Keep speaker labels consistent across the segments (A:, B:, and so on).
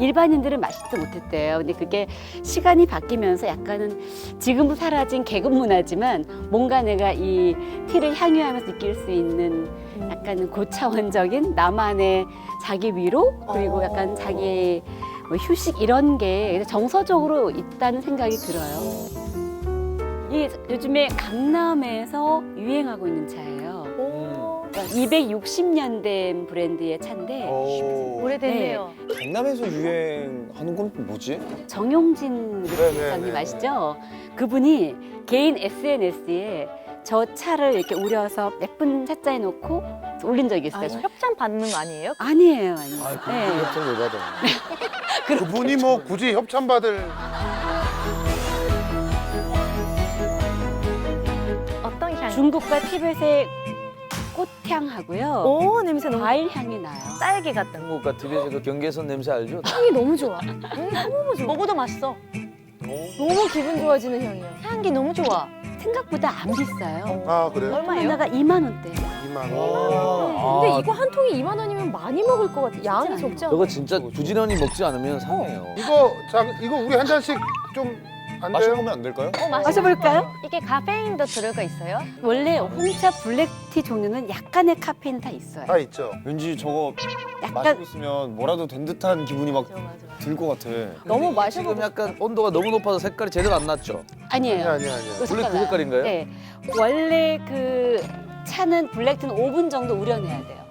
A: 일반인들은 마시지도 못했대요. 근데 그게 시간이 바뀌면서 약간은 지금은 사라진 계급 문화지만 뭔가 내가 이 티를 향유하면서 느낄 수 있는 약간 고차원적인 나만의 자기 위로 그리고 약간 자기 뭐 휴식 이런 게 정서적으로 있다는 생각이 들어요. 이 요즘에 강남에서 유행하고 있는 차예요. 260년 된 브랜드의 차인데
B: 오래됐네요.
C: 강남에서 유행하는 건 뭐지?
A: 정용진 대표님 아시죠? 그분이 개인 SNS에 저 차를 이렇게 우려서 예쁜 차자에 놓고 올린 적이 있어요.
B: 협찬 받는 거 아니에요?
A: 아니에요.
C: 네. 협찬 왜 받아?
D: 그분이 뭐 굳이 협찬받을
B: 어떤 향?
A: 중국과 티벳의 꽃향하고요.
B: 오, 냄새 너무
A: 과일 향이 나요.
B: 딸기 같다.
E: 한국과 TV에서도 경계선 냄새 알죠?
F: 향이 너무 좋아. 너무 좋아.
B: 먹어도 맛있어.
F: 너무 기분 좋아지는 향이야.
B: 향기 너무 좋아.
A: 생각보다 안 비싸요.
D: 아 그래요?
B: 얼마예요?
A: 하나가 2만 원대.
D: 2만 원.
F: 근데 이거 한 통이 2만 원이면 많이 먹을 것 같아. 양이 적지 않아.
E: 저거 진짜 부지런히 먹지 않으면 상해요.
D: 이거 우리 한 잔씩 좀 안 돼요?
C: 마셔보면 안 될까요?
A: 마셔볼까요?
B: 이게 카페인도 들어가 있어요?
A: 원래 홍차 블랙티 종류는 약간의 카페인 다 있어요.
D: 다 있죠.
C: 왠지 저거
A: 약간
C: 마시고 있으면 뭐라도 된 듯한 기분이 막 들 것 같아.
F: 너무
E: 지금
F: 마셔보고
E: 약간 온도가 너무 높아서 색깔이 제대로 안 났죠?
A: 아니에요.
D: 아니야.
A: 이거
E: 원래 그
A: 색깔 나요.
E: 색깔인가요?
A: 네. 원래 그 차는 블랙티는 5분 정도 우려내야 돼요.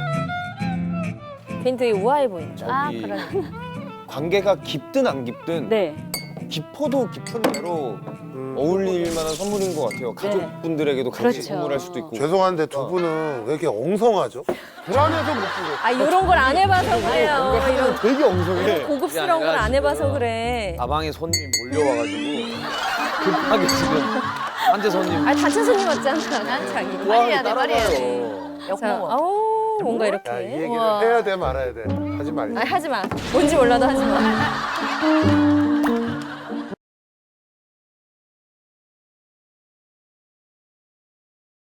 F: 괜히 되게 우아해 보인다.
B: 아,
C: 저기
B: 그러네.
C: 관계가 깊든 안 깊든
A: 네.
C: 깊어도 깊은 대로 어울릴 만한 선물인 것 같아요. 가족분들에게도 같이
A: 그렇죠.
C: 선물할 수도 있고.
D: 죄송한데 두 분은 왜 이렇게 엉성하죠? 불안해서 못 보겠어.
F: 아, 이런 걸 안 해봐서 그래요. 이런
C: 되게 엉성해.
F: 고급스러운 걸 안 해봐서 그래.
E: 가방에 손님이 몰려와가지고 급하게 지금 한재 손님
F: 아, 단체 손님 왔잖아. 난 자기.
B: 빨리 해야 돼, 빨리 해야 돼.
E: 따라가요.
F: 자,
B: 역먹어.
F: 아우, 뭔가 이렇게.
D: 야, 이 얘기를
F: 우와.
D: 해야 돼 말아야 돼. 하지 말자.
F: 아니, 하지 마. 뭔지 몰라도 하지 마.